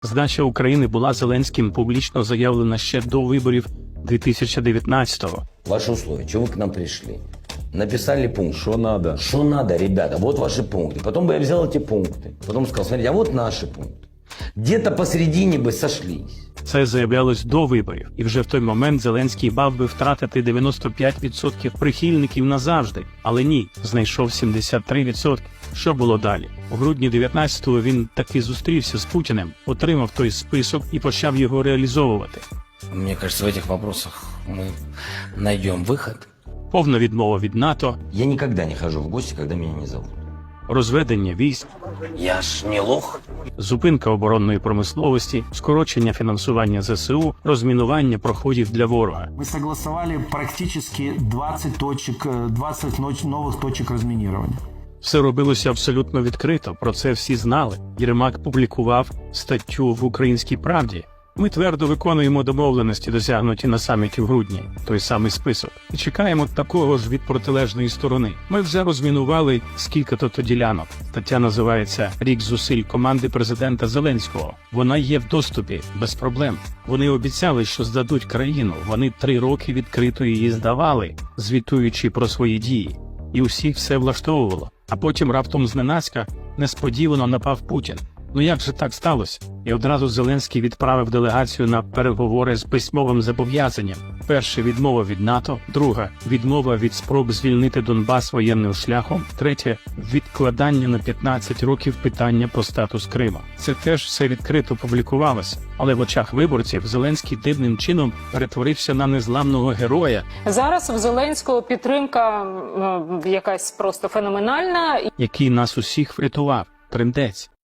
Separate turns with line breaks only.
Здача України була Зеленським публічно заявлена ще до виборів 2019-го.
Ваши условия, чего вы к нам пришли? Написали пункт.
Что надо?
Что надо, ребята, вот ваши пункты. Потом бы я взял эти пункты. Потом сказал, смотрите, а вот наши пункты. Где-то посередине бы сошлись.
Це заявлялось до виборів, і вже в той момент Зеленський мав би втратити 95% прихильників назавжди. Але ні, знайшов 73%. Що було далі? У грудні 19-го він таки зустрівся з Путіним, отримав той список і почав його реалізовувати.
Мне кажется, в этих вопросах мы найдем выход.
Повна відмова від НАТО,
Я никогда не хожу в гости, когда меня не зовут.
розведення військ,
Я ж не лох.
зупинка оборонної промисловості, скорочення фінансування ЗСУ, розмінування проходів для ворога.
Мы согласовали практически 20 новых точек разминирования.
Все робилося абсолютно відкрито, про це всі знали. Єрмак публікував статтю в «Українській правді». Ми твердо виконуємо домовленості, досягнуті на саміті в грудні, той самий список. І чекаємо такого ж від протилежної сторони. Ми вже розмінували скільки-то ділянок. Стаття називається «Рік зусиль команди президента Зеленського». Вона є в доступі, без проблем. Вони обіцяли, що здадуть країну. Вони 3 роки відкрито її здавали, звітуючи про свої дії. І усіх все влаштовувало. А потім раптом зненацька несподівано напав Путін. Ну як же так сталося? І одразу Зеленський відправив делегацію на переговори з письмовим зобов'язанням. Перше – відмова від НАТО, друга – відмова від спроб звільнити Донбас воєнним шляхом, третє – відкладання на 15 років питання про статус Крима. Це теж все відкрито публікувалося, але в очах виборців Зеленський дивним чином перетворився на незламного героя,
Зараз в Зеленського підтримка якась просто феноменальна.
який нас усіх врятував. Трындець.